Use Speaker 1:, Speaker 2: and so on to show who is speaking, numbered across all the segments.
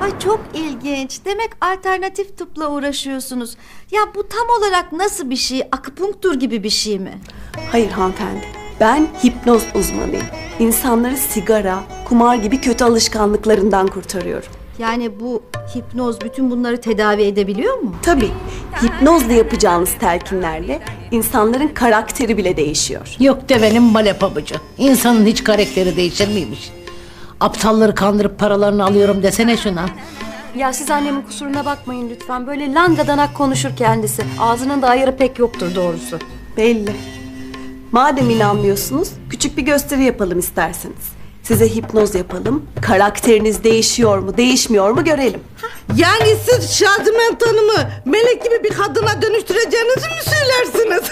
Speaker 1: Ay çok ilginç. Demek alternatif tıpla uğraşıyorsunuz. Ya bu tam olarak nasıl bir şey? Akupunktur gibi bir şey mi?
Speaker 2: Hayır hanımefendi. Ben hipnoz uzmanıyım. İnsanları sigara, kumar gibi kötü alışkanlıklarından kurtarıyorum.
Speaker 1: Yani bu hipnoz bütün bunları tedavi edebiliyor mu?
Speaker 2: Tabii hipnozla yapacağınız telkinlerle insanların karakteri bile değişiyor.
Speaker 3: Yok devenin male pabucu. İnsanın hiç karakteri değişir miymiş? Aptalları kandırıp paralarını alıyorum desene şuna.
Speaker 4: Ya siz annemin kusuruna bakmayın lütfen. Böyle langadanak konuşur kendisi. Ağzının da ayarı pek yoktur doğrusu.
Speaker 2: Belli. Madem inanmıyorsunuz, küçük bir gösteri yapalım isterseniz. Size hipnoz yapalım, karakteriniz değişiyor mu, değişmiyor mu görelim.
Speaker 5: Yani siz Şaziment Hanım'ı melek gibi bir kadına dönüştüreceğinizi mi söylersiniz?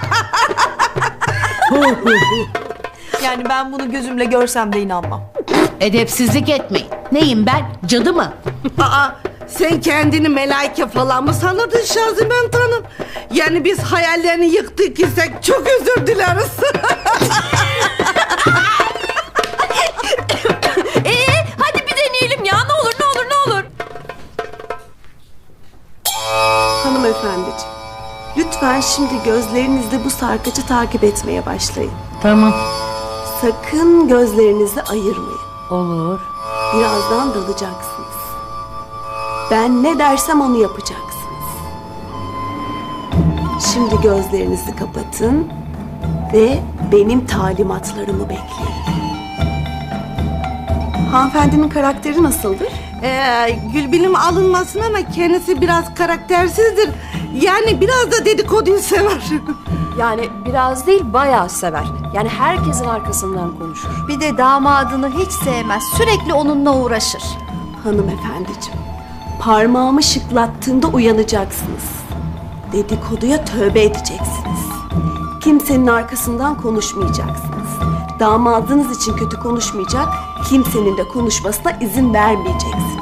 Speaker 4: Yani ben bunu gözümle görsem de inanmam.
Speaker 3: Edepsizlik etmeyin. Neyim ben? Cadı mı?
Speaker 5: Aa, sen kendini melaike falan mı sanırdın Şaziment Hanım? Yani biz hayallerini yıktık isek çok özür dileriz.
Speaker 4: Hadi bir deneyelim ya. Ne olur ne olur ne olur.
Speaker 2: Hanımefendiciğim, lütfen şimdi gözlerinizle bu sarkacı takip etmeye başlayın.
Speaker 3: Tamam.
Speaker 2: Sakın gözlerinizi ayırmayın.
Speaker 3: Olur.
Speaker 2: Birazdan dalacaksınız. Ben ne dersem onu yapacaksınız. Şimdi gözlerinizi kapatın ve benim talimatlarımı bekleyin. Hanımefendinin karakteri nasıldır?
Speaker 5: Gülbinim alınmasın ama kendisi biraz karaktersizdir. Yani biraz da dedikoduyu sever.
Speaker 4: Yani biraz değil bayağı sever. Yani herkesin arkasından konuşur.
Speaker 1: Bir de damadını hiç sevmez. Sürekli onunla uğraşır.
Speaker 2: Hanımefendiciğim, parmağımı şıklattığımda uyanacaksınız. Dedikoduya tövbe edeceksiniz. Kimsenin arkasından konuşmayacaksınız. Damadınız için kötü konuşmayacak, kimsenin de konuşmasına izin vermeyeceksiniz.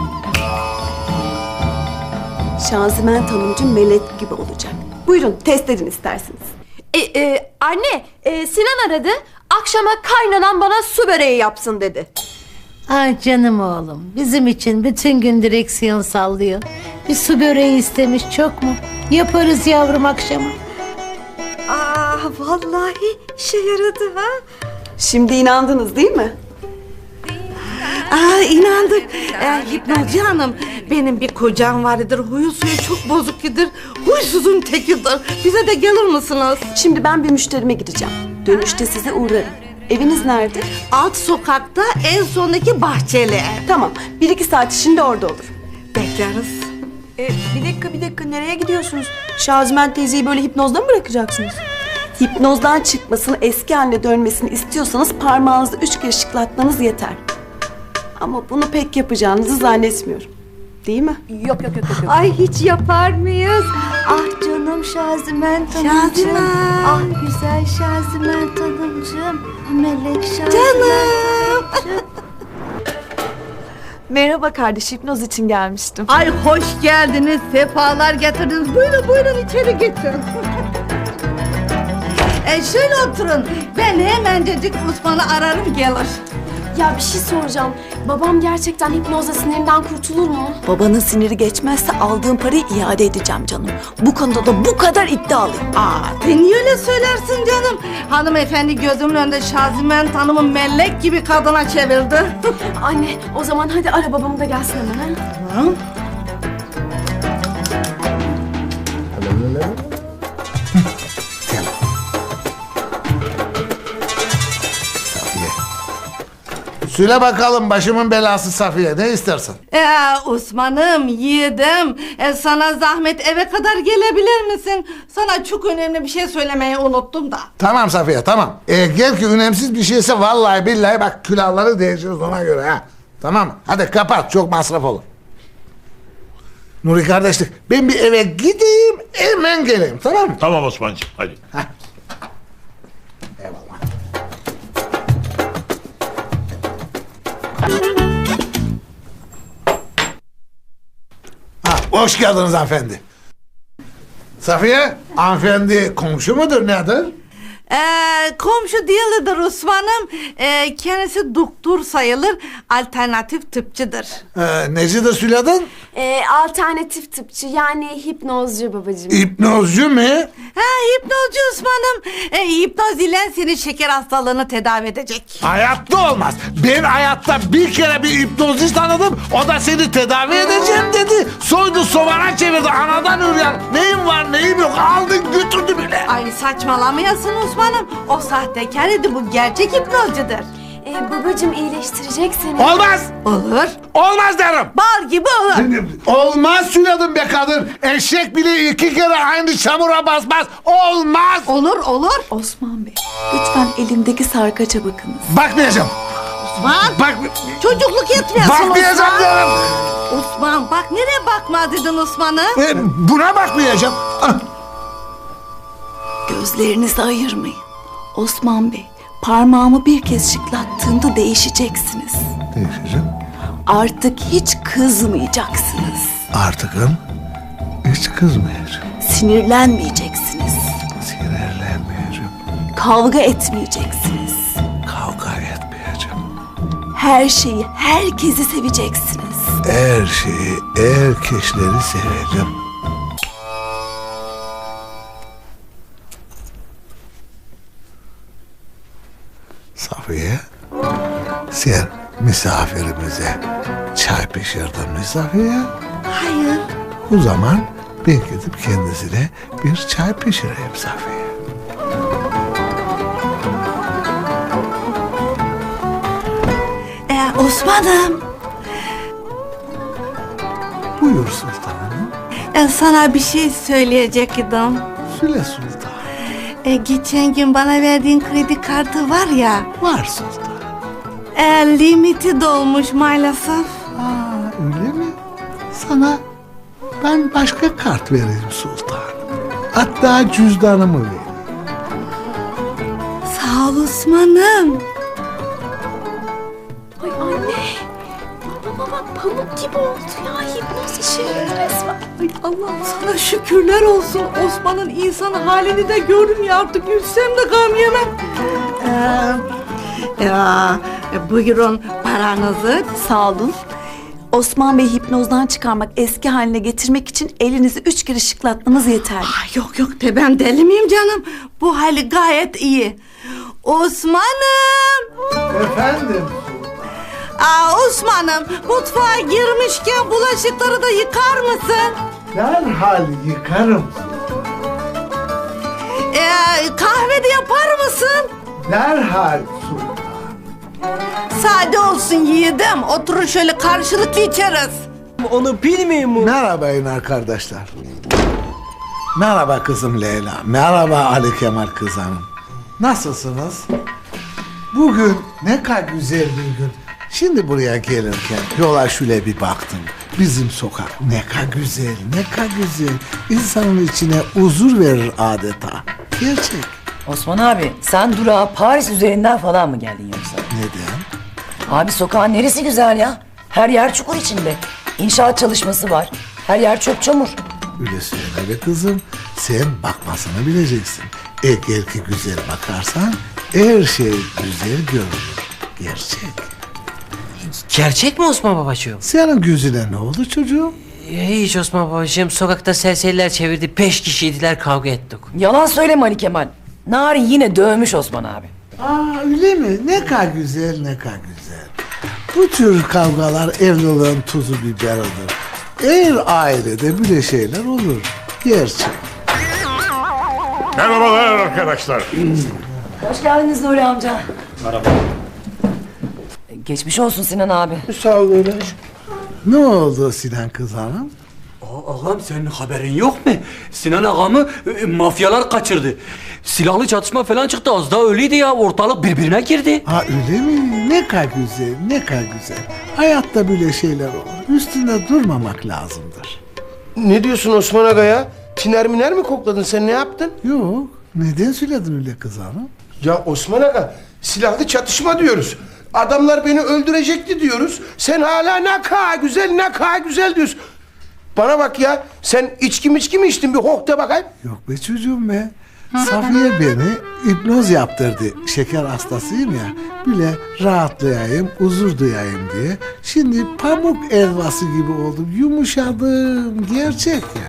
Speaker 2: Şaziment Hanımcığım melek gibi olacak. Buyurun test edin isterseniz.
Speaker 4: Anne, Sinan aradı. Akşama kaynanan bana su böreği yapsın dedi.
Speaker 3: Ay canım oğlum. Bizim için bütün gün direksiyon sallıyor. Bir su böreği istemiş çok mu? Yaparız yavrum akşama.
Speaker 1: Aa, vallahi işe yaradı ha.
Speaker 2: Şimdi inandınız değil mi?
Speaker 5: Aa, inandık. Hipnozcu hanım, benim bir kocam vardır. Huyu suyu çok bozuktur. Huysuzun tekidir. Bize de gelir misiniz?
Speaker 2: Şimdi ben bir müşterime gideceğim. Dönüşte size uğrarım. Eviniz nerede?
Speaker 5: Alt sokakta en sondaki bahçeli.
Speaker 2: Tamam, 1-2 saat içinde orada olur.
Speaker 5: Bekleriz.
Speaker 4: Bir dakika nereye gidiyorsunuz? Şaziment teyzeyi böyle hipnozda mı bırakacaksınız?
Speaker 2: Hipnozdan çıkmasını, eski haline dönmesini istiyorsanız parmağınızı 3 kere şıklatmanız yeter. Ama bunu pek yapacağınızı zannetmiyorum. Değil mi?
Speaker 4: Yok.
Speaker 1: Ay hiç yapar mıyız? Ah canım Şaziment Hanımcığım.
Speaker 5: Şaziment.
Speaker 1: Ah güzel Şaziment Hanımcığım. Melek Şaziment Hanımcığım.
Speaker 2: Merhaba kardeş, hipnoz için gelmiştim.
Speaker 5: Ay hoş geldiniz, sefalar getirdiniz. Buyurun içeri geçin. Şöyle oturun. Ben hemencecik Osman'ı ararım gelir.
Speaker 4: Ya bir şey soracağım. Babam gerçekten hipnozla sinirinden kurtulur mu?
Speaker 2: Babanın siniri geçmezse aldığım parayı iade edeceğim canım. Bu konuda da bu kadar iddialıyım.
Speaker 5: Sen niye öyle söylersin canım? Hanımefendi gözümün önünde Şaziment Hanım'ı melek gibi kadına çevirdi.
Speaker 4: Anne o zaman hadi ara babamı da gelsin hemen. Ha?
Speaker 6: Söyle bakalım başımın belası Safiye, ne istersin?
Speaker 5: Osman'ım, yiğidim. Sana zahmet eve kadar gelebilir misin? Sana çok önemli bir şey söylemeyi unuttum da.
Speaker 6: Tamam Safiye, tamam. Gel ki önemsiz bir şeyse vallahi billahi bak külahları değişiriz ona göre ha. Tamam mı? Hadi kapat, çok masraf olur. Nuri kardeşlik, ben bir eve gideyim hemen geleyim, tamam mı?
Speaker 7: Tamam Osman'cığım hadi.
Speaker 6: Eyvallah. Hoş geldiniz hanımefendi. Safiye, hanımefendi komşu mudur nedir?
Speaker 5: Komşu değildir Osman'ım. Kendisi doktor sayılır. Alternatif tıpçıdır.
Speaker 6: Necidir söyledin?
Speaker 4: Alternatif tıpçı yani hipnozcu babacığım.
Speaker 6: Hipnozcu mu?
Speaker 5: Hipnozcu Osman'ım. Hipnoz ile senin şeker hastalığını tedavi edecek.
Speaker 6: Hayatta olmaz. Ben hayatta bir kere bir hipnozist tanıdım. O da seni tedavi edeceğim dedi. Soydu sovana çevirdi. Anadan üryan. Neyim var neyim yok. Aldın götürdü bile.
Speaker 5: Ay saçmalamayasın Osman'ım. O sahtekar idi, bu gerçek hipnozcudur.
Speaker 4: Babacığım iyileştirecek seni.
Speaker 6: Olmaz.
Speaker 5: Olur.
Speaker 6: Olmaz derim.
Speaker 5: Bal gibi olur.
Speaker 6: Olmaz söyledim be kadın. Eşek bile 2 kere aynı çamura basmaz. Olmaz.
Speaker 5: Olur.
Speaker 2: Osman Bey, lütfen elimdeki sarkaça bakınız.
Speaker 6: Bakmayacağım.
Speaker 5: Osman.
Speaker 6: Bak.
Speaker 5: Çocukluk etmiyorsun
Speaker 6: Bakmayacağım
Speaker 5: Osman.
Speaker 6: diyorum.
Speaker 5: Osman bak nereye bakma dedin Osman'ım?
Speaker 6: Buna bakmayacağım.
Speaker 2: Gözlerinizi ayırmayın. Osman Bey, parmağımı bir kez şıklattığımda değişeceksiniz.
Speaker 6: Değişeceğim.
Speaker 2: Artık hiç kızmayacaksınız.
Speaker 6: Artıkım hiç kızmayacağım.
Speaker 2: Sinirlenmeyeceksiniz.
Speaker 6: Sinirlenmeyeceğim.
Speaker 2: Kavga etmeyeceksiniz.
Speaker 6: Kavga etmeyeceğim.
Speaker 2: Her şeyi, herkesi seveceksiniz.
Speaker 6: Her şeyi, herkesleri seveceğim. Safiye, sen misafirimize çay pişirdin mi Safiye?
Speaker 5: Hayır.
Speaker 6: O zaman ben gidip kendisine bir çay pişireyim Safiye.
Speaker 5: Osman'ım
Speaker 6: Buyur sultanım.
Speaker 5: sana bir şey söyleyecektim.
Speaker 6: Söyle sultan.
Speaker 5: Geçen gün bana verdiğin kredi kartı var ya,
Speaker 6: Var sultan.
Speaker 5: limiti dolmuş maalesef.
Speaker 6: Öyle mi? Sana ben başka kart vereyim sultan. Hatta cüzdanımı vereyim.
Speaker 5: Sağ ol Osman'ım.
Speaker 4: Ay anne. Babama bak pamuk gibi oldu ya. Hipnoz işe yaradı resmen.
Speaker 5: Ay Allah'ım sana şükürler olsun. Osman'ın insan halini de gördüm ya, artık gülsem de gam yemem. Buyurun paranızı.
Speaker 2: Sağ olun. Osman Bey hipnozdan çıkarmak, eski haline getirmek için elinizi 3 kere şıklatmanız yeterli.
Speaker 5: Ay yok de ben deli miyim canım? Bu hali gayet iyi. Osman'ım.
Speaker 6: Efendim?
Speaker 5: Osman'ım mutfağa girmişken bulaşıkları da yıkar mısın?
Speaker 6: Derhal yıkarım.
Speaker 5: Kahve de yapar mısın?
Speaker 6: Derhal sultan.
Speaker 5: Sade olsun yiğidim. Oturun şöyle karşılıklı içeriz.
Speaker 7: Onu bilmiyor mu?
Speaker 6: Merhabayın arkadaşlar. Merhaba kızım Leyla. Merhaba Ali Kemal kızanım. Nasılsınız? Bugün ne kadar güzel bir gün. Şimdi buraya gelirken yola şöyle bir baktım. Bizim sokak ne kadar güzel, ne kadar güzel. İnsanın içine huzur verir adeta. Gerçek.
Speaker 8: Osman abi sen durağa Paris üzerinden falan mı geldin yoksa?
Speaker 6: Neden?
Speaker 8: Abi sokağın neresi güzel ya? Her yer çukur içinde. İnşaat çalışması var. Her yer çöp çamur.
Speaker 6: Öyle söyle be kızım. Sen bakmasını bileceksin. Eğer ki güzel bakarsan her şey güzel görünür. Gerçek.
Speaker 7: Gerçek mi Osman babacığım?
Speaker 6: Senin gözüne ne oldu çocuğum?
Speaker 7: Hiç Osman babacığım, sokakta serseriler çevirdi. 5 kişiydiler, kavga ettik.
Speaker 8: Yalan söyleme Ali Kemal. Narin yine dövmüş Osman abi.
Speaker 6: Öyle mi? Ne kadar güzel, ne kadar güzel. Bu tür kavgalar evliliğin tuzu biberidir. Eğer ailede böyle şeyler olur. Gerçek.
Speaker 9: Merhabalar arkadaşlar.
Speaker 8: Hoş geldiniz Nuri amca. Merhaba. Geçmiş olsun Sinan abi.
Speaker 7: Sağ ol öyle.
Speaker 6: Ne oldu Sinan kız hanım?
Speaker 10: Ağam senin haberin yok mu? Sinan ağamı mafyalar kaçırdı. Silahlı çatışma falan çıktı, az daha öyleydi ya, ortalık birbirine girdi.
Speaker 6: Öyle mi? Ne kadar güzel, ne kadar güzel. Hayatta böyle şeyler olur. Üstünde durmamak lazımdır.
Speaker 11: Ne diyorsun Osman Aga ya? Tiner miner mi kokladın, sen ne yaptın?
Speaker 6: Yok. Neden söyledin öyle kız hanım?
Speaker 11: Ya Osman Aga, silahlı çatışma diyoruz. Adamlar beni öldürecekti diyoruz. Sen hala ne kadar güzel, ne kadar güzel diyorsun. Bana bak ya, sen içki mi içtin, bir hok de bakayım.
Speaker 6: Yok be çocuğum be. Safiye beni hipnoz yaptırdı. Şeker hastasıyım ya. Bile rahatlayayım, huzur duyayım diye. Şimdi pamuk elvası gibi oldum. Yumuşadım. Gerçek ya.